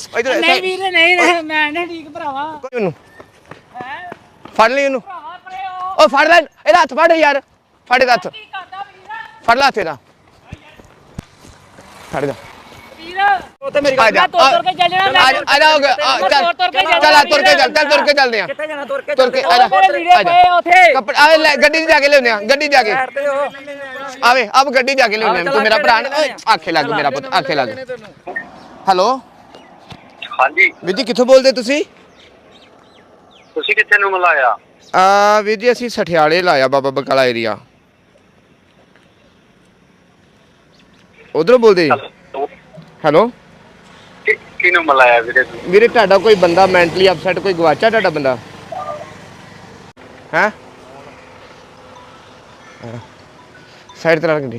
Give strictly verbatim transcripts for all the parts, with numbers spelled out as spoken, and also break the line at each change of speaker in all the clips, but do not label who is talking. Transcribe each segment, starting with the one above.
ਇਧਰ
ਨਹੀਂ ਵੀਰ ਨਹੀਂ ਮੈਂ ਨਹੀਂ ਠੀਕ ਭਰਾਵਾ
ਉਹਨੂੰ
ਹੈ
ਫੜ ਲਈ ਉਹਨੂੰ
ਭਰਾਵਾ ਪਰੇ ਉਹ
ਉਹ ਫੜ ਲੈ ਇਹਦਾ ਹੱਥ ਫੜ ਯਾਰ ਫੜ ਇਹਦਾ ਹੱਥ
ਕੀ ਕਰਦਾ ਵੀਰ
ਫੜ ਲੈ ਤੇਰਾ ਫੜ ਜਾ
ਵੀਰ ਉਹ ਤੇ ਮੇਰੀ ਗੱਲ ਤੋੜ ਤੋੜ ਕੇ ਚੱਲ ਜਾਣਾ
ਆ ਜਾ ਆ ਜਾ ਚੱਲ
ਤੋੜ ਕੇ
ਚੱਲ ਆ ਤੁਰ ਕੇ ਚੱਲ ਚੱਲ ਤੁਰ ਕੇ ਚੱਲਦੇ ਆ
ਕਿੱਥੇ ਜਾਣਾ ਤੁਰ ਕੇ
ਤੁਰ ਕੇ ਆ ਜਾ
ਮੇਰੇ ਵੀਰੇ ਪਏ ਉਥੇ
ਕੱਪੜੇ ਆ ਲੈ ਗੱਡੀ 'ਚ ਜਾ ਕੇ ਲਿਆਉਂਦੇ ਆ ਗੱਡੀ 'ਚ ਜਾ ਕੇ ਆਵੇ ਆਪ ਗੱਡੀ 'ਚ ਜਾ ਕੇ ਲਿਆਉਂਦੇ ਤੂੰ ਮੇਰਾ ਭਰਾ ਆਖੇ ਲੱਗ ਮੇਰਾ ਪੁੱਤ ਆਖੇ ਲੱਗ ਹੈਲੋ
ਹਾਂਜੀ
ਵੀਰ ਜੀ ਕਿੱਥੋਂ ਬੋਲਦੇ ਤੁਸੀਂ
ਤੁਸੀਂ ਕਿੱਥੇ ਨੂੰ ਮਿਲਾਇਆ
ਆ ਵੀਰ ਜੀ ਅਸੀਂ ਸਠਿਆਲੇ ਲਾਇਆ ਬਾਬਾ ਬਕਾਲਾ ਏਰੀਆ ਉਧਰੋਂ ਬੋਲਦੇ ਜੀ ਹੈਲੋ
ਕਿਹਨੂੰ ਮਿਲਾਇਆ ਵੀਰੇ ਤੂੰ
ਵੀਰੇ ਤੁਹਾਡਾ ਕੋਈ ਬੰਦਾ ਮੈਂਟਲੀ ਅਪਸੈਟ ਕੋਈ ਗਵਾਚਾ ਤੁਹਾਡਾ ਬੰਦਾ ਹੈ ਸਾਈਡ ਤੇ ਰੱਖ ਦੇ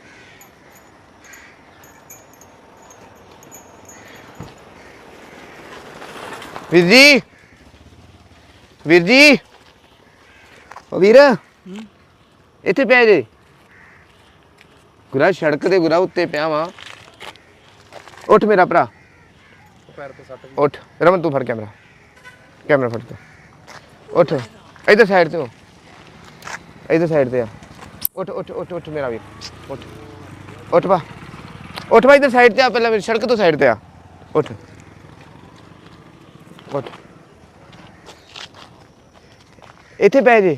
ਵੀਰ ਜੀ ਵੀਰ ਜੀ ਉਹ ਵੀਰ ਇੱਥੇ ਪਿਆ ਜੇ ਗੁਰਾ ਸੜਕ ਤੇ ਗੁਰਾ ਉੱਤੇ ਪਿਆ ਵਾਂ ਉੱਠ ਮੇਰਾ ਭਰਾ ਉੱਠ ਰਮਨ ਤੂੰ ਫੜ ਕੈਮਰਾ ਕੈਮਰਾ ਫੜ ਤੂੰ ਉੱਠ ਇਧਰ ਸਾਈਡ ਤੇ ਹੋ ਇਧਰ ਸਾਈਡ ਤੇ ਆ ਉੱਠ ਉੱਠ ਉੱਠ ਉੱਠ ਮੇਰਾ ਵੀਰ ਉੱਠ ਉੱਠ ਬਾ ਉੱਠ ਬਾ ਇਧਰ ਸਾਈਡ ਤੇ ਆ ਪਹਿਲਾਂ ਮੇਰੀ ਸੜਕ ਤੋਂ ਸਾਈਡ ਤੇ ਆ ਉੱਠ ਉੱਠ ਇੱਥੇ ਪੈ ਜੇ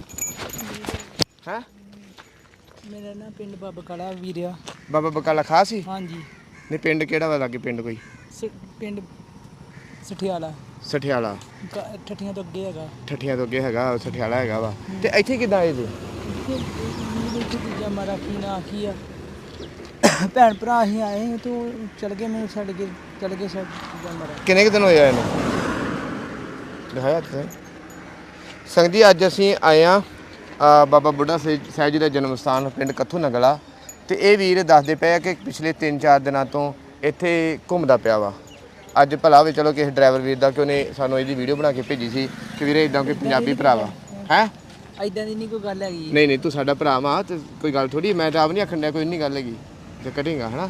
ਹਾਂ
ਮੇਰਾ ਨਾ ਪਿੰਡ ਬਾਬਾ ਕਾਲਾ ਵੀਰਿਆ
ਬਾਬਾ ਬਕਾਲਾ ਖਾਸ ਸੀ
ਹਾਂਜੀ
ਨਹੀਂ ਪਿੰਡ ਕਿਹੜਾ ਵਾ ਲਾਗੇ ਪਿੰਡ ਕੋਈ
ਪਿੰਡ ਸਠਿਆਲਾ
ਸਠਿਆਲਾ
ਠੱਠੀਆਂ ਤੋਂ ਅੱਗੇ ਹੈਗਾ
ਠੱਠੀਆਂ ਤੋਂ ਅੱਗੇ ਹੈਗਾ ਸਠਿਆਲਾ ਹੈਗਾ ਵਾ ਤੇ ਇੱਥੇ ਕਿੱਦਾਂ ਆਏ ਜੀ
ਦੂਜਾ ਮਾਰਾ ਕੀ ਨਾ ਕੀ ਆ ਭੈਣ ਭਰਾ ਹੀ ਆਏ ਤੂੰ ਚਲ ਗਏ ਮੈਨੂੰ ਛੱਡ ਕੇ ਚਲ ਗਏ ਛੱਡ ਦੂਜਾ ਮਾਰਾ
ਕਿੰਨੇ ਕੁ ਦਿਨ ਹੋਏ ਆ ਇਹਨੂੰ ਦਿਖਾਇਆ ਤੇ ਸੰਗਤ ਜੀ ਅੱਜ ਅਸੀਂ ਆਏ ਆ ਬਾਬਾ ਬੁੱਢਾ ਸਾਹਿਬ ਜੀ ਦਾ ਜਨਮ ਸਥਾਨ ਪਿੰਡ ਕੱਥੂ ਨਗਲਾ ਤੇ ਇਹ ਵੀਰ ਦੱਸਦੇ ਪਏ ਆ ਕਿ ਪਿਛਲੇ ਤਿੰਨ ਚਾਰ ਦਿਨਾਂ ਤੋਂ ਇੱਥੇ ਘੁੰਮਦਾ ਪਿਆ ਵਾ ਅੱਜ ਭਲਾ ਵੀ ਚਲੋ ਕਿਸੇ ਡਰਾਈਵਰ ਵੀਰ ਦਾ ਕਿ ਉਹਨੇ ਸਾਨੂੰ ਇਹਦੀ ਵੀਡੀਓ ਬਣਾ ਕੇ ਭੇਜੀ ਸੀ ਕਿ ਵੀਰੇ ਇਦਾਂ ਕੋਈ ਪੰਜਾਬੀ ਭਰਾ ਵਾ ਹੈ
ਇਦਾਂ ਦੀ ਨਹੀਂ ਕੋਈ ਗੱਲ ਹੈਗੀ
ਨਹੀਂ ਨਹੀਂ ਤੂੰ ਸਾਡਾ ਭਰਾ ਵਾ ਤੇ ਕੋਈ ਗੱਲ ਥੋੜੀ ਮੈਂ ਤਾਂ ਆਪ ਨਹੀਂ ਆਖਣ ਡਿਆ ਕੋਈ ਨਹੀਂ ਗੱਲ ਹੈਗੀ ਤੇ ਕਟੇਗਾ ਹਨਾ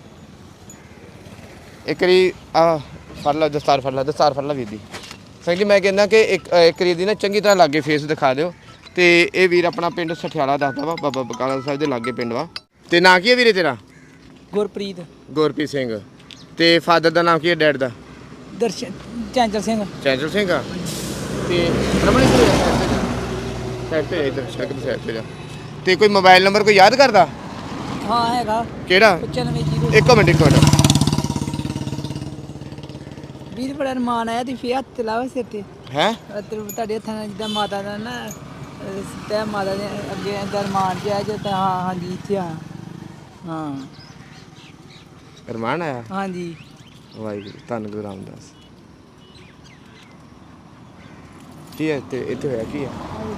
ਇੱਕ ਵਾਰੀ ਆ ਫੜ ਲਾ ਦਸਤਾਰ ਫੜ ਲਾ ਦਸਤਾਰ ਫੜ ਲਾ ਵੀਰ ਦੀ ਸੰਗ ਜੀ ਮੈਂ ਕਹਿੰਦਾ ਕਿ ਇੱਕ ਇੱਕ ਵਾਰੀ ਦੀ ਨਾ ਚੰਗੀ ਤਰ੍ਹਾਂ ਲਾਗੇ ਫੇਸ ਦਿਖਾ ਦਿਓ ਤੇ ਇਹ ਵੀਰ ਆਪਣਾ ਪਿੰਡ ਸਠਿਆਲਾ ਦੱਸਦਾ ਵਾ ਬਾਬਾ ਬਕਾਲਾ ਸਾਹਿਬ ਦੇ ਲਾਗੇ ਪਿੰਡ ਵਾ ਤੇ ਨਾਂ ਕੀ ਹੈ ਵੀਰੇ ਤੇਰਾ
ਗੁਰਪ੍ਰੀਤ
ਗੁਰਪ੍ਰੀਤ ਸਿੰਘ ਤੇ ਫਾਦਰ ਦਾ ਨਾਮ ਕੀ ਹੈ ਡੈਡ ਦਾ
ਦਰਸ਼ਨ ਚੰਚਲ ਸਿੰਘ
ਚੰਚਲ ਸਿੰਘ ਆ ਤੇ ਰਮਣੀ ਸਾਈਡ ਤੇ ਇਧਰ ਸ਼ਕਲ ਸਾਈਡ ਤੇ ਜਾ ਤੇ ਕੋਈ ਮੋਬਾਈਲ ਨੰਬਰ ਕੋਈ ਯਾਦ ਕਰਦਾ
ਹਾਂ ਹੈਗਾ
ਕਿਹੜਾ
ਪਚਾਨਵੇਂ ਜੀਰੋ
ਇੱਕ ਮਿੰਟ ਇੱਕ ਮਿੰਟ
ਵੀਰ ਬੜਾ ਰਮਾਨ ਆਇਆ ਤੇ ਫੇਰ ਹੱਥ ਲਾਵਾ ਸਿਰ ਤੇ
ਹੈ
ਤੁਹਾਡੇ ਹੱਥਾਂ ਨਾਲ ਜਿੱਦਾਂ ਮਾਤਾ ਦਾ ਨਾ ਸਿੱਧਾ ਮਾਤਾ ਦੇ ਅੱਗੇ ਦਰਮਾਨ ਜਿਹਾ ਜਿੱਦਾਂ ਹਾਂ ਹਾਂਜੀ ਇੱਥੇ ਆ ਹਾਂ
ਰਮਾਨ ਆਇਆ
ਹਾਂਜੀ
ਵਾਹਿਗੁਰੂ ਧੰਨ ਗੁਰੂ ਰਾਮਦਾਸ ਕੀ ਹੈ ਤੇ ਇੱਥੇ ਹੋਇਆ ਕੀ ਹੈ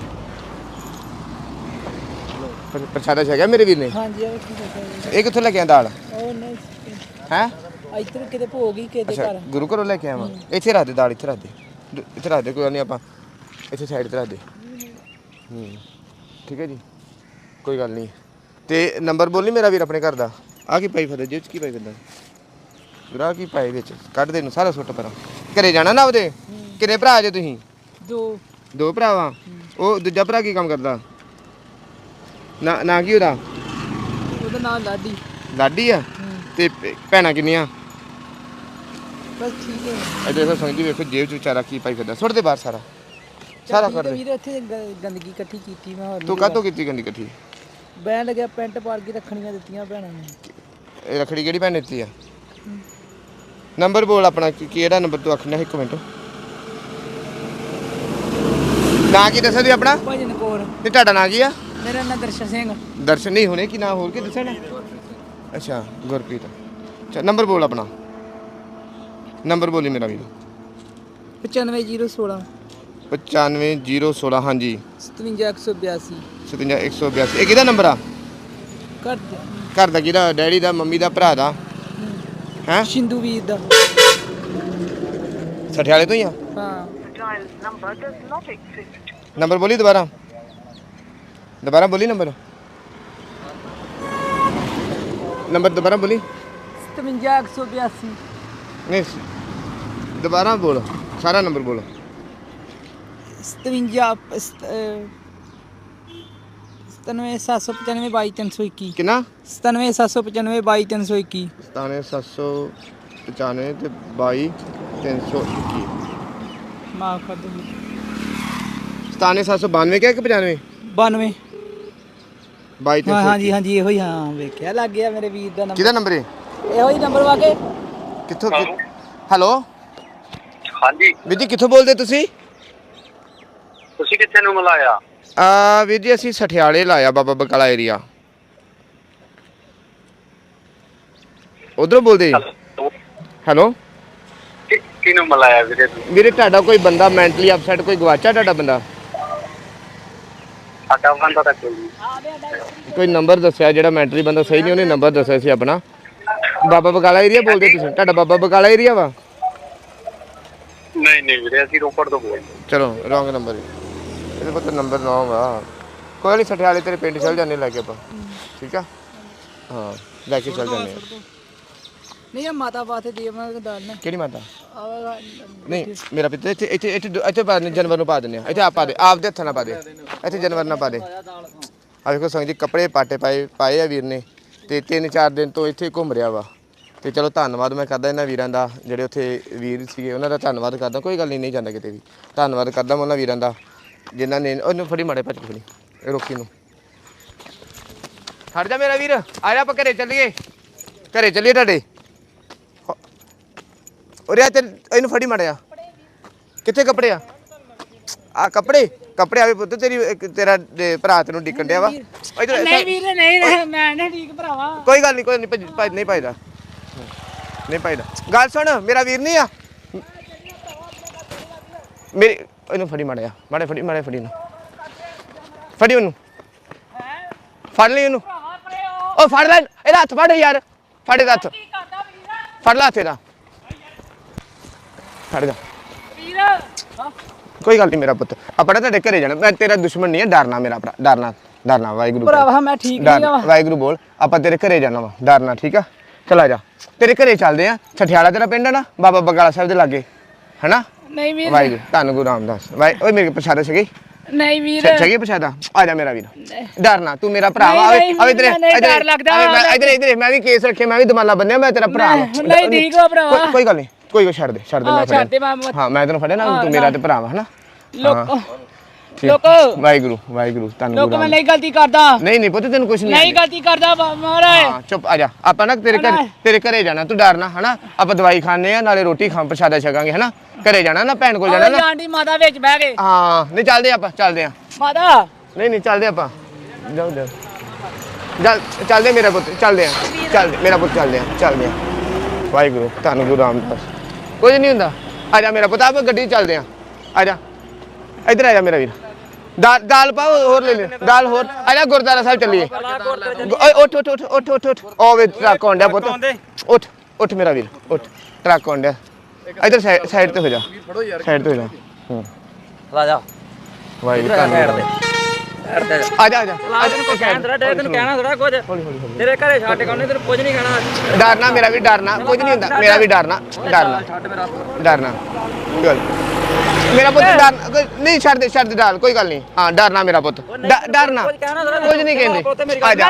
ਪਰ ਪ੍ਰਸ਼ਾਦਾ ਛਕਿਆ ਮੇਰੇ ਵੀਰ ਨੇ
ਹਾਂਜੀ ਇਹ ਕੀ ਦੱਸਿਆ
ਇਹ ਕਿੱਥੋਂ ਲੈ ਕੇ ਆਇਆ ਦਾਲ
ਉਹ ਨਹੀਂ
ਹੈ
ਇੱਧਰ ਕਿਤੇ ਭੋਗ ਹੀ ਕਿਤੇ
ਅੱਛਾ
ਘਰ
ਗੁਰੂ ਘਰੋਂ ਲੈ ਕੇ ਆਵਾਂ ਇੱਥੇ ਰੱਖ ਦੇ ਦਾਲ ਇੱਥੇ ਰੱਖ ਦੇ ਦ- ਇੱਥੇ ਰੱਖ ਦੇ ਕੋਈ ਗੱਲ ਨਹੀਂ ਆਪਾਂ ਇੱਥੇ ਸਾਈਡ ਤੇ ਰੱਖ ਦੇ ਹੂੰ ਠੀਕ ਹੈ ਜੀ ਕੋਈ ਗੱਲ ਨਹੀਂ ਤੇ ਨੰਬਰ ਬੋਲੀ ਮੇਰਾ ਵੀਰ ਆਪਣੇ ਘਰ ਦਾ ਆ ਕੀ ਪਾਈ ਫਦੇ ਜਿਹ ਚ ਕੀ ਪਾਈ ਫਿਰਦਾ ਗੁਰਾ ਕੀ ਪਾਈ ਵਿੱਚ ਕੱਢ ਦੇ ਨੂੰ ਸਾਰਾ ਸੁੱਟ ਪਰਾਂ ਘਰੇ ਜਾਣਾ ਨਾ ਉਹਦੇ ਕਿੰਨੇ ਭਰਾ ਜੇ ਤੁਸੀਂ
ਦੋ
ਦੋ ਭਰਾਵਾਂ ਉਹ ਦੂਜਾ ਭਰਾ ਕੀ ਕੰਮ ਕਰਦਾ ਨਾ ਨਾ ਕੀ ਉਹਦਾ
ਉਹਦਾ ਨਾਮ ਲਾਡੀ
ਲਾਡੀ ਆ ਤੇ ਭੈ- ਭੈਣਾਂ ਕਿੰਨੀਆਂ
ਬਸ ਠੀਕ ਹੈ
ਇਹ ਦੇਖੋ ਸੰਗਦੀ ਵੇਖੋ ਜੇਬ ਚ ਵਿਚਾਰਾ ਕੀ ਪਾਈ ਫਿਰਦਾ ਸੁੱਟ ਦੇ ਬਾਹਰ ਸਾਰਾ ਸਾਰਾ ਕਰ ਦੇ
ਵੀਰ ਇੱਥੇ ਗ- ਗੰਦਗੀ ਇਕੱਠੀ ਕੀਤੀ ਮੈਂ ਹੋਰ
ਤੂੰ ਕਾਹਤੋਂ ਕੀਤੀ ਗੰਦੀ ਇਕੱਠੀ
ਬੈਣ ਲੱਗਿਆ ਪੈਂਟ ਪਾੜ ਕੇ ਰੱਖਣੀਆਂ ਦਿੱਤੀਆਂ ਭੈਣਾਂ ਨੇ
ਇਹ ਰੱਖੜੀ ਕਿਹੜੀ ਭੈਣ ਦਿੱਤੀ ਆ ਨੰਬਰ ਬੋਲ ਆਪਣਾ ਕੀ- ਕਿਹੜਾ ਨੰਬਰ ਤੂੰ ਆਖਣਾ ਇੱਕ ਮਿੰਟ ਨਾਂ ਕੀ ਦੱਸਿਆ ਤੂੰ ਆਪਣਾ
ਭਜਨ ਕੌਰ
ਤੇ ਤੁਹਾਡਾ ਨਾਂ ਕੀ ਆ
ਮੇਰਾ ਨਾਮ ਦਰਸ਼ਨ ਸਿੰਘ
ਦਰਸ਼ਨ ਨਹੀਂ ਹੋਣੇ ਕੀ ਨਾਂ ਹੋਰ ਕੀ ਦੱਸਣਾ ਅੱਛਾ ਗੁਰਪ੍ਰੀਤ ਅੱਛਾ ਨੰਬਰ ਬੋਲ ਆਪਣਾ ਨੰਬਰ ਬੋਲੀ ਮੇਰਾ ਵੀਰ
ਪਚਾਨਵੇਂ ਜੀਰੋ ਸੋਲਾਂ
ਪਚਾਨਵੇਂ ਜੀਰੋ ਸੋਲਾਂ ਹਾਂਜੀ
ਸਤਵੰਜਾ ਇੱਕ ਸੌ ਬਿਆਸੀ
ਸਤਵੰਜਾ ਇੱਕ ਸੌ ਬਿਆਸੀ ਇਹ ਕਿਹਦਾ ਨੰਬਰ ਆ
ਘਰ ਦੇ
ਘਰ ਦਾ ਕਿਹਦਾ ਡੈਡੀ ਦਾ ਮੰਮੀ ਦਾ ਭਰਾ ਦਾ ਹੈ
ਸ਼ਿੰਦੂ ਵੀਰ ਦਾ
ਸਠਿਆਲੇ ਤੋਂ ਹੀ ਆ
ਹਾਂ
ਨੰਬਰ ਬੋਲੀ ਦੁਬਾਰਾ ਦੁਬਾਰਾ ਬੋਲੀ ਨੰਬਰ ਨੰਬਰ ਦੁਬਾਰਾ ਬੋਲੀ
ਸਤਵੰਜਾ ਇੱਕ ਸੌ ਬਿਆਸੀ
ਨਹੀਂ ਦੁਬਾਰਾ ਬੋਲ ਸਾਰਾ ਨੰਬਰ ਬੋਲ।
ਸਤਵੰਜਾ ਸਤਾਨਵੇਂ ਸੱਤ ਸੌ ਪਚਾਨਵੇਂ ਬਾਈ ਤਿੰਨ ਸੌ ਇੱਕੀ।
ਕਿੰਨਾ?
ਸਤਾਨਵੇਂ ਸੱਤ ਸੌ ਪਚਾਨਵੇਂ ਬਾਈ ਤਿੰਨ ਸੌ ਇੱਕੀ।
ਸਤਾਨਵੇਂ ਸੱਤ ਸੌ ਪਚਾਨਵੇਂ ਤੇ ਬਾਈ ਤਿੰਨ ਸੌ ਇੱਕੀ।
ਮਾਫ ਕਰ ਦਿਓ।
ਸਤਾਨਵੇਂ ਸੱਤ ਸੌ ਬਾਨਵੇਂ ਕਿਹਾ ਕਿ ਪਚਾਨਵੇਂ?
ਬਾਨਵੇਂ।
ਬਾਈ ਤਿੰਨ
ਹਾਂ
ਸੌ
ਹਾਂਜੀ ਹਾਂਜੀ ਇਹੋ ਹੀ। ਹਾਂ ਵੇਖਿਆ ਲੱਗ ਗਿਆ ਮੇਰੇ ਵੀਰ ਦਾ ਨੰਬਰ।
ਕਿਹਦਾ ਨੰਬਰ ਹੈ?
ਇਹੋ ਹੀ ਨੰਬਰ ਵਾਕੇ।
ਕਿੱਥੋਂ? ਹੈਲੋ
ਹਾਂਜੀ
ਵੀਰ ਜੀ ਕਿੱਥੋਂ ਬੋਲਦੇ ਤੁਸੀਂ?
ਤੁਸੀਂ ਕਿੱਥੇ ਨੂੰ ਮਿਲਾਇਆ?
ਆ ਵੀਰ ਜੀ ਅਸੀਂ ਸਠਿਆਲੇ ਲਾਇਆ ਬਾਬਾ ਬਕਾਲਾ ਏਰੀਆ। ਉਧਰੋਂ ਬੋਲਦੇ? ਹੈਲੋ
ਕਿ- ਕਿਹਨੂੰ ਮਿਲਾਇਆ ਵੀਰੇ ਤੁਸੀਂ?
ਵੀਰੇ ਤੁਹਾਡਾ ਕੋਈ ਬੰਦਾ ਮੈਂਟਲੀ ਅਪਸੈਟ ਕੋਈ ਗਵਾਚਾ ਤੁਹਾਡਾ ਬੰਦਾ?
ਸਾਡਾ ਬੰਦਾ ਤਾਂ ਕੋਈ ਨਹੀਂ।
ਕੋਈ ਨੰਬਰ ਦੱਸਿਆ ਜਿਹੜਾ ਮੈਂਟਲੀ ਬੰਦਾ ਸਹੀ ਨਹੀਂ ਉਹਨੇ ਨੰਬਰ ਦੱਸਿਆ ਸੀ ਆਪਣਾ। ਬਾਬਾ ਬਕਾਲਾ ਏਰੀਆ ਬੋਲਦੇ ਤੁਸੀਂ? ਤੁਹਾਡਾ ਬਾਬਾ ਬਕਾਲਾ ਏਰੀਆ ਵਾ?
ਨਹੀਂ ਨਹੀਂ ਵੀਰੇ ਅਸੀਂ ਰੋਪੜ ਤੋਂ ਬੋਲਦੇ।
ਚਲੋ ਰੋਂਗ ਨੰਬਰ ਇਹਦੇ ਕੋਲ ਤਾਂ ਨੰਬਰ ਨਾ ਵਾ। ਕੋਈ ਨਹੀਂ ਸਠਿਆਲੇ ਤੇਰੇ ਪਿੰਡ ਚੱਲ ਜਾਂਦੇ ਲੈ ਕੇ ਆਪਾਂ। ਠੀਕ ਆ ਹਾਂ ਲੈ ਕੇ ਚੱਲ ਜਾਂਦੇ ਆ।
ਨਹੀਂ ਇਹ ਮਾਤਾ ਬਾਤੇ ਦੇ ਮੈਂ ਦਾਲ ਨਾ।
ਕਿਹੜੀ ਮਾਤਾ?
ਆਹ
ਨਹੀਂ ਮੇਰਾ ਪਿੱਤੇ ਇੱਥੇ ਇੱਥੇ ਇੱਥੇ ਇੱਥੇ ਪਾ ਦਿੰਦੇ ਜਾਨਵਰ ਨੂੰ ਪਾ ਦਿੰਦੇ ਆ। ਇੱਥੇ ਆਪ ਪਾ ਦੇ ਆਪਦੇ ਹੱਥਾਂ ਨਾਲ ਪਾ ਦੇ। ਇੱਥੇ ਜਾਨਵਰ ਨਾਲ ਪਾ ਦੇ। ਆ ਵੇਖੋ ਸੰਗ ਜੀ ਕੱਪੜੇ ਪਾਟੇ ਪਾਏ ਪਾਏ ਆ ਵੀਰ ਨੇ ਤੇ ਤਿੰਨ ਚਾਰ ਦਿਨ ਤੋਂ ਇੱਥੇ ਘੁੰਮ ਰਿਹਾ ਵਾ। ਤੇ ਚਲੋ ਧੰਨਵਾਦ ਮੈਂ ਕਰਦਾ ਇਹਨਾਂ ਵੀਰਾਂ ਦਾ ਜਿਹੜੇ ਉੱਥੇ ਵੀਰ ਸੀਗੇ ਉਹਨਾਂ ਦਾ ਧੰਨਵਾਦ ਕਰਦਾ। ਕੋਈ ਗੱਲ ਨਹੀਂ ਨਹੀਂ ਜਾਂਦਾ ਕਿਤੇ ਵੀ ਧੰਨਵਾਦ ਕਰਦਾ ਮੈਂ ਉਹਨਾਂ ਵੀਰਾਂ ਦਾ ਜਿਨ੍ਹਾਂ ਨੇ ਉਹਨੂੰ ਫੜੀ ਮਾੜੇ ਭੱਜ ਫੜੀ ਇਹ ਰੋਕੀ ਨੂੰ ਹਟ ਜਾ ਮੇਰਾ ਵੀਰ। ਆ ਜਾ ਆਪਾਂ ਘਰੇ ਚੱਲੀਏ ਘਰੇ ਚੱਲੀਏ ਤੁਹਾਡੇ। ਉਰੇ ਤੇ ਇਹਨੂੰ ਫੜੀ ਮਾੜਿਆ। ਕਿੱਥੇ ਕੱਪੜੇ ਆ? ਆ ਕੱਪੜੇ ਕੱਪੜੇ ਆਵੇ ਪੁੱਤ ਤੇਰੀ ਤੇਰਾ ਭਰਾ ਤੈਨੂੰ ਡਿੱਕਣ ਡਿਆ ਵਾ।
ਨਹੀਂ ਵੀਰ ਨਹੀਂ ਮੈਂ ਨਹੀਂ ਠੀਕ ਭਰਾਵਾ।
ਕੋਈ ਗੱਲ ਨਹੀਂ ਕੋਈ ਨਹੀਂ ਭੱਜ ਨਹੀਂ ਪਾਈਦਾ ਨਹੀਂ ਪਾਈਦਾ। ਗੱਲ ਸੁਣ ਮੇਰਾ ਵੀਰ ਨਹੀਂ ਆ ਮੇਰੀ ਇਹਨੂੰ ਫੜੀ ਮਾੜਿਆ ਮਾੜੇ ਫੜੀ ਮਾੜੇ ਫੜੀ ਨੂੰ ਫੜੀ ਉਹਨੂੰ ਫੜ ਲਈ ਉਹਨੂੰ। ਉਹ ਫੜ ਲੈ ਇਹਦਾ ਹੱਥ ਫੜ ਯਾਰ ਫੜ ਇਹਦਾ ਹੱਥ ਫੜ ਲਾ ਤੇਰਾ ਫੜ ਜਾ ਕੋਈ ਗੱਲ ਨਹੀਂ ਮੇਰਾ ਪੁੱਤ ਆਪਣਾ ਤੁਹਾਡੇ ਘਰੇ ਜਾਣਾ। ਮੈਂ ਤੇਰਾ ਦੁਸ਼ਮਣ ਨਹੀਂ ਹੈ ਡਰਨਾ ਮੇਰਾ ਭਰਾ ਡਰਨਾ ਡਰਨਾ ਵਾਹਿਗੁਰੂ
ਭਰਾਵਾ ਮੈਂ ਠੀਕ ਨਹੀਂ ਆ।
ਵਾਹਿਗੁਰੂ ਬੋਲ ਆਪਾਂ ਤੇਰੇ ਘਰੇ ਜਾਣਾ ਵਾ ਡਰਨਾ ਠੀਕ ਆ। ਚਲ ਆ ਜਾ ਤੇਰੇ ਘਰੇ ਚੱਲਦੇ ਆ। ਸਠਿਆਲਾ ਤੇਰਾ ਪਿੰਡ ਆ ਨਾ ਬਾਬਾ ਬਕਾਲਾ ਸਾਹਿਬ ਦੇ ਲਾਗੇ ਹੈਨਾ?
ਨਹੀਂ ਵੀਰ
ਵਾਹਿਗੁਰੂ ਧੰਨ ਗੁਰੂ ਰਾਮਦਾਸ ਵਾਹਿ ਓਏ ਮੇਰੇ ਪ੍ਰਸ਼ਾਦਾ ਛਕੇ?
ਨਹੀਂ ਵੀਰ
ਛਕੇ ਪ੍ਰਸ਼ਾਦਾ? ਆ ਜਾ ਮੇਰਾ ਵੀਰ ਡਰਨਾ ਤੂੰ ਮੇਰਾ ਭਰਾ ਵਾ। ਆਵੇ ਆਵੇ ਇਧਰ ਇਧਰ ਇਧਰ ਮੈਂ ਵੀ ਕੇਸ ਰੱਖੇ ਮੈਂ ਵੀ ਦਮਾਲਾ ਬੰਨਿਆ ਮੈਂ ਤੇਰਾ ਭਰਾ ਵਾ।
ਨਹੀਂ ਠੀਕ ਹੋ ਭਰਾਵਾ
ਕੋਈ ਗੱਲ ਨਹੀਂ ਕੋਈ ਗੱਲ ਛੱਡ ਦੇ ਛੱਡ ਦੇ ਮੈਂ ਫੜਿਆ। ਹਾਂ ਮੈਂ ਤੈਨੂੰ ਫੜਿਆ ਨਾ ਤੂੰ ਮੇਰਾ ਤੇ ਭਰਾ ਵਾ ਹਨਾ?
ਲੋਕ
ਠੀਕ।
ਲੋਕ
ਵਾਹਿਗੁਰੂ ਵਾਹਿਗੁਰੂ ਧੰਨ
ਲੋਕ
ਗੁਰੂ
ਮੈਂ ਨਹੀਂ ਗਲਤੀ ਕਰਦਾ।
ਨਹੀਂ ਨਹੀਂ ਪੁੱਤ ਤੈਨੂੰ ਕੁਝ ਨਹੀਂ
ਨਹੀਂ ਗਲਤੀ ਕਰਦਾ ਮਹਾਰਾਜ।
ਹਾਂ ਚੁੱਪ ਆ ਜਾ ਆਪਾਂ ਨਾ ਤੇਰੇ ਘਰ ਤੇਰੇ ਘਰੇ ਜਾਣਾ ਤੂੰ ਡਰਨਾ ਹਨਾ? ਆਪਾਂ ਦਵਾਈ ਖਾਣੇ ਆ ਨਾਲੇ ਰੋਟੀ ਖਾਂ ਪ੍ਰਸ਼ਾਦਾ ਛਕਾਂਗੇ ਹਨਾ? ਘਰੇ ਜਾਣਾ ਨਾ ਭੈਣ ਕੋਲ ਜਾਣਾ ਨਾ?
ਆਂਟੀ ਮਾਤਾ ਵਿੱਚ ਬਹਿ ਗਏ।
ਹਾਂ ਨਹੀਂ ਚੱਲਦੇ ਆਪਾਂ ਚੱਲਦੇ ਆ।
ਮਾਤਾ
ਨਹੀਂ ਨਹੀਂ ਚੱਲਦੇ ਆਪਾਂ ਜਾਓ ਜਾਓ ਚੱਲ ਚੱਲਦੇ ਮੇਰਾ ਪੁੱਤ ਚੱਲਦੇ ਆ ਚੱਲਦੇ ਮੇਰਾ ਪੁੱਤ ਚੱਲਦੇ ਆ ਚੱਲਦੇ ਆ। ਵਾਹਿਗੁਰੂ ਧੰਨ ਗੁਰੂ ਰਾਮਦਾਸ ਕੁਝ ਨਹੀਂ ਹੁੰਦਾ। ਆ ਜਾ ਮੇਰਾ ਪੁੱਤ ਆਪਾਂ ਗੱਡੀ 'ਚ ਚੱਲਦੇ ਆ। ਆ ਜਾ ਇੱਧਰ ਆ ਜਾ ਮੇਰਾ ਵੀਰ ਦਾਲ ਦਾਲ ਪਾਓ ਹੋਰ ਲੈ ਲੈ ਦਾਲ ਹੋਰ। ਆ ਜਾ ਗੁਰਦੁਆਰਾ ਸਾਹਿਬ ਚੱਲੀਏ। ਓਏ ਉੱਠ ਉੱਠ ਉੱਠ ਉੱਠ ਉੱਠ ਉੱਠ ਉਹ ਵੇ ਟਰੱਕ ਆਉਂਦਾ ਪੁੱਤ ਉੱਠ ਉੱਠ ਮੇਰਾ ਵੀਰ ਉੱਠ ਟਰੱਕ ਆਉਂਦਾ। ਇੱਧਰ ਸਾਈਡ ਤੇ ਹੋ ਜਾ ਸਾਈਡ ਤੇ ਹੋ ਜਾ। ਹੂੰ
ਆ ਜਾ
ਵਾਹਿਗੁਰੂ
ਸਾਈਡ ਤੇ
ਆ ਜਾ ਆ ਜਾ
ਤੈਨੂੰ ਕਹਿਣਾ ਤੈਨੂੰ ਕਹਿਣਾ ਥੋੜਾ ਕੁਝ ਤੇਰੇ ਘਰੇ ਛੱਡ ਕੇ ਉਹਨੇ ਤੈਨੂੰ ਕੁਝ ਨਹੀਂ ਕਹਿਣਾ।
ਡਰਨਾ ਮੇਰਾ ਵੀ ਡਰਨਾ ਕੁਝ ਨਹੀਂ ਹੁੰਦਾ ਮੇਰਾ ਵੀ ਡਰਨਾ ਡਰਨਾ ਡਰਨਾ ਗੱਲ ਮੇਰਾ ਪੁੱਤ ਡਰ ਨਹੀਂ ਛੱਡ ਦੇ ਛੱਡ ਦੇ ਡਰ ਕੋਈ ਗੱਲ ਨਹੀਂ। ਹਾਂ ਡਰਨਾ ਮੇਰਾ ਪੁੱਤ ਡਰਨਾ ਕੁਝ ਨਹੀਂ ਕਹਿੰਦੇ। ਆ ਜਾ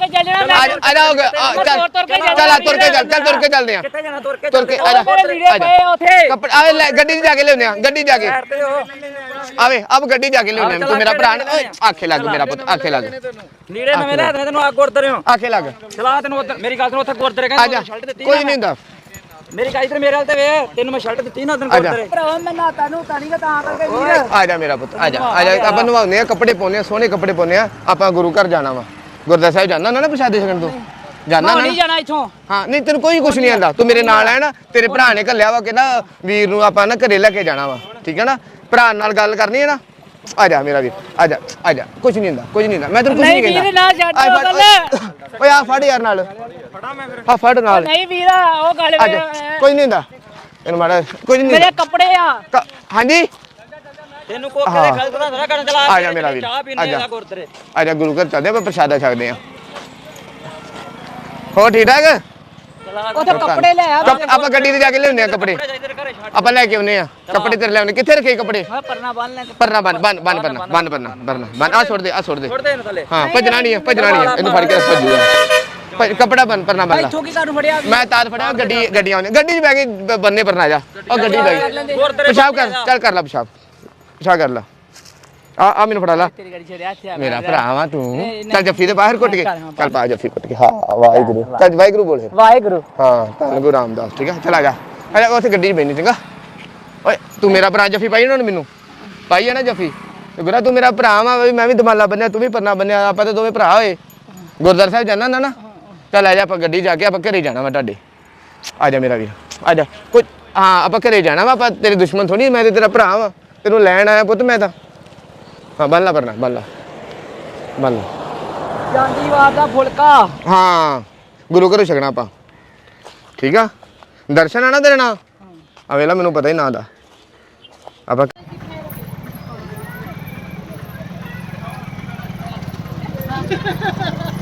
ਆ ਜਾ ਹੋ ਗਿਆ ਚੱਲ ਚੱਲ ਤੁਰ ਕੇ ਚੱਲ ਚੱਲ ਤੁਰ ਕੇ ਚੱਲਦੇ ਆ
ਕਿੱਥੇ ਜਾਣਾ ਤੁਰ ਕੇ
ਤੁਰ ਕੇ ਆ ਜਾ ਆ ਜਾ ਕੱਪੜੇ ਆਵੇ ਗੱਡੀ 'ਚ ਜਾ ਕੇ ਲਿਆਉਂਦੇ ਆ ਗੱਡੀ ਜਾ ਕੇ ਆਵੇ ਅਬ ਗੱਡੀ ਜਾ ਕੇ ਲਿਆਉਂਦੇ ਤੂੰ ਮੇਰਾ ਭਰਾ ਆਖੇ ਲੱਗ ਮੇਰਾ ਪੁੱਤ ਆਖੇ ਲੱਗ
ਲੀੜੇ ਨਵੇਂ ਲੈ ਦੇ ਤੈਨੂੰ ਆ ਗੁਰਦੁਆਰੇ ਹੋ
ਆਖੇ ਲੱਗ
ਚਲਾ ਤੈਨੂੰ ਉੱਧਰ ਮੇਰੀ ਗੱਲ ਸੁਣ ਉੱਥੇ ਗੁਰਦੁਆਰੇ
ਆ ਜਾ
ਕਹਿੰਦੇ
ਕੋਈ ਨਹੀਂ ਹੁੰਦਾ।
ਮੇਰੀ ਗੱਲ ਇਧਰ ਮੇਰੇ ਹਾਲ ਤੇ ਵੇ ਤੈਨੂੰ ਮੈਂ ਸ਼ਰਟ ਦਿੱਤੀ ਨਾ ਤੈਨੂੰ ਗੁਰਦੁਆਰੇ
ਭਰਾਵਾ ਮੈਂ ਨਾਤਾ ਨੂੰ ਤਾਂ ਨਹੀਂ ਤਾਂ ਕਰਕੇ ਵੀਰ।
ਆ ਜਾ ਮੇਰਾ ਪੁੱਤ ਆ ਜਾ ਆ ਜਾ ਆਪਾਂ ਨਵਾਉਂਦੇ ਆ ਕੱਪੜੇ ਪਾਉਂਦੇ ਆ ਸੋਹਣੇ ਕੱਪੜੇ ਪਾਉਂਦੇ ਆ ਆਪਾਂ ਗੁਰੂ ਘਰ ਜਾਣਾ ਵਾ ਗੁਰਦੁਆਰਾ ਸਾਹਿਬ ਜਾਣਾ ਨਾ ਪ੍ਰਸ਼ਾਦੇ ਛਕਣ ਤੋਂ ਜਾਣਾ ਨਾ?
ਨਹੀਂ ਜਾਣਾ ਇੱਥੋਂ।
ਹਾਂ ਨਹੀਂ ਤੈਨੂੰ ਕੋਈ ਕੁਝ ਨਹੀਂ ਆਂਦਾ ਤੂੰ ਮੇਰੇ ਨਾਲ ਹੈ ਨਾ ਤੇਰੇ ਭਰਾ ਨੇ ਘੱਲਿਆ ਵਾ ਕਿ ਨਾ ਵੀਰ ਨੂੰ ਆਪਾਂ ਨਾ ਘਰੇ ਲੈ ਕੇ ਜਾਣਾ ਵਾ ਠੀਕ ਹੈ ਨਾ? ਭਰਾ ਨਾਲ ਗੱਲ ਕਰਨੀ ਹੈ ਨਾ? ਆ ਜਾ ਮੇਰਾ ਵੀਰ ਆ ਜਾ ਆ ਜਾ ਕੁਝ ਨਹੀਂ ਹੁੰਦਾ ਕੁਝ ਨਹੀਂ ਹੁੰਦਾ ਮੈਂ ਤੈਨੂੰ ਕੁਝ ਨਹੀਂ ਕਹਿੰਦਾ।
ਨਹੀਂ ਵੀਰ ਨਾ ਛੱਡ ਗੱਲ।
ਓਏ ਆ ਫੜ ਯਾਰ ਨਾਲ ਫੜਾ ਮੈਂ ਫਿਰ ਹਾਂ ਫੜ ਨਾਲ
ਨਹੀਂ ਵੀਰਾ ਉਹ ਗੱਲ
ਆ ਜਾ ਕੁਝ ਨਹੀਂ ਹੁੰਦਾ ਇਹਨੂੰ ਮਾੜਾ ਕੁਝ ਨਹੀਂ
ਮੇਰੇ ਕੱਪੜੇ ਆ।
ਹਾਂਜੀ
ਤੈਨੂੰ ਕੋਕੇ ਦੇ ਖਲ ਤੋਂ ਨਾ ਕਰਨ ਚਲਾ
ਆ ਜਾ ਮੇਰਾ ਵੀਰ
ਚਾਹ ਪੀਣੇ ਆ ਗੁਰਦੁਆਰੇ ਆ
ਜਾ ਗੁਰੂ ਘਰ ਚੱਲਦੇ ਆਪਾਂ ਪ੍ਰਸ਼ਾਦਾ ਛਕਦੇ ਆ। ਹੋਰ ਠੀਕ ਠਾਕ
ਉੱਥੇ ਕੱਪੜੇ ਲੈ ਆ।
ਆਪਾਂ ਗੱਡੀ ਤੇ ਜਾ ਕੇ ਲਿਆਉਂਦੇ ਆ ਕੱਪੜੇ। ਆਪਾਂ ਲੈ ਕੇ ਆਉਨੇ ਆ ਕੱਪੜੇ ਤੇਰੇ ਲੈ ਆਉਨੇ ਕਿੱਥੇ ਰੱਖੇ ਕੱਪੜੇ
ਮੈਂ ਪਰਨਾ ਬੰਨ ਲੈ
ਪਰਨਾ ਬੰਨ ਬੰਨ ਬੰਨ ਪਰਨਾ ਬੰਨ ਪਰਨਾ ਪਰਨਾ ਬੰਨ ਆ ਛੋੜ ਦੇ ਆ ਛੋੜ ਦੇ
ਛੋੜ ਦੇ ਇਹਨੂੰ ਥੱਲੇ
ਹਾਂ ਭੱਜਣਾ ਨਹੀਂ ਹੈ ਭੱਜਣਾ ਨਹੀਂ ਹੈ ਇਹਨੂੰ ਫੜ ਕੇ ਭੱਜੂਗਾ ਭੱਜ- ਕੱਪੜਾ ਬੰਨ ਪਰਨਾ ਬੰਨ ਲਾ
ਇੱਥੋਂ ਕੀ ਕਾਨੂੰ ਫੜਿਆ
ਮੈਂ ਤਾਰ ਫੜਿਆ ਗੱਡੀ ਗੱਡੀਆਂ ਆਉਨੇ ਗੱਡੀ 'ਚ ਬੈ ਕੇ ਬ- ਬੰਨੇ ਪਰਨਾ ਜਾ ਉਹ ਗੱਡੀ ਬੈ ਗਈ
ਹੋਰ ਤੇਰੇ
ਪਿਸ਼ਾਬ ਕਰ ਚੱਲ ਕਰ ਲੈ ਪਿਸ਼ਾਬ ਪਿਸ਼ਾਬ ਕਰ ਲੈ ਆ ਆ ਮੈਨੂੰ ਫੜਾ ਲਾ
ਤੇਰੀ ਗੱਡੀ ਛੜਿਆ ਇੱਥੇ ਆ
ਮੇਰਾ ਭਰਾ ਵਾ ਤੂੰ ਚੱਲ ਜੱਫੀ ਦੇ ਬਾਹਰ ਕੁੱਟ ਕੇ ਚੱਲ ਪਾ ਜੱਫੀ ਕੁੱਟ ਕੇ ਹਾਂ ਵਾਹਿਗੁਰੂ ਚੱਲ ਵਾਹਿਗੁਰੂ ਬੋਲ ਫਿਰ
ਵਾਹਿਗੁਰੂ
ਹਾਂ ਧੰਨ ਗੁਰੂ ਰਾਮਦਾਸ ਠੀਕ ਹੈ ਚਲ ਆ ਜਾ ਆ ਜਾ ਉੱਥੇ ਗੱਡੀ 'ਚ ਬੈਣੀ ਚੰਗਾ ਓਏ ਤੂੰ ਮੇਰਾ ਭਰਾ ਜੱਫੀ ਪਾਈ ਉਹਨਾਂ ਨੇ ਮੈਨੂੰ ਪਾਈ ਹੈ ਨਾ ਜੱਫੀ ਤੇ ਗੁਰਾ ਤੂੰ ਮੇਰਾ ਭਰਾ ਵਾ ਵੀ ਮੈਂ ਵੀ ਦਮਾਲਾ ਬੰਨਿਆ ਤੂੰ ਵੀ ਪਰਨਾ ਬੰਨਿਆ ਆਪਾਂ ਤਾਂ ਦੋਵੇਂ ਭਰਾ ਹੋਏ ਗੁਰਦੁਆਰਾ ਸਾਹਿਬ ਜਾਣਾ ਨਾ ਨਾ ਚੱਲ ਆ ਜਾ ਆਪਾਂ ਗੱਡੀ ਜਾ ਕੇ ਆਪਾਂ ਘਰੇ ਜਾਣਾ ਵਾ ਤੁਹਾਡੇ ਆ ਜਾ ਮੇਰਾ ਵੀਰ ਆ ਜਾ ਕੁਝ ਹਾਂ ਆਪਾਂ ਘਰੇ ਜਾਣਾ ਵਾ ਆਪਾਂ ਤੇਰੇ ਦੁਸ਼ਮਣ ਥੋੜੀ ਮੈਂ ਤੇ ਤੇਰਾ ਭਰਾ ਵਾ ਤੈਨੂੰ ਲੈਣ ਆਇਆ ਪੁੱਤ ਮੈਂ ਤਾਂ ਹਾਂ ਬੰਨ ਲਾ ਪਰਨਾ ਬੰਨ ਲਾ ਬੰਨ ਲਾ
ਜਾਂਦੀ ਵਾਰ ਦਾ ਫੁਲਕਾ
ਹਾਂ ਗੁਰੂ ਘਰੋਂ ਛਕਣਾ ਆਪਾਂ ਠੀਕ ਆ ਦਰਸ਼ਨ ਆ ਨਾ ਤੇਰੇ ਨਾਲ ਆ ਵੇਲਾ ਮੈਨੂੰ ਪਤਾ ਹੀ ਨਾ ਦਾ ਆਪਾਂ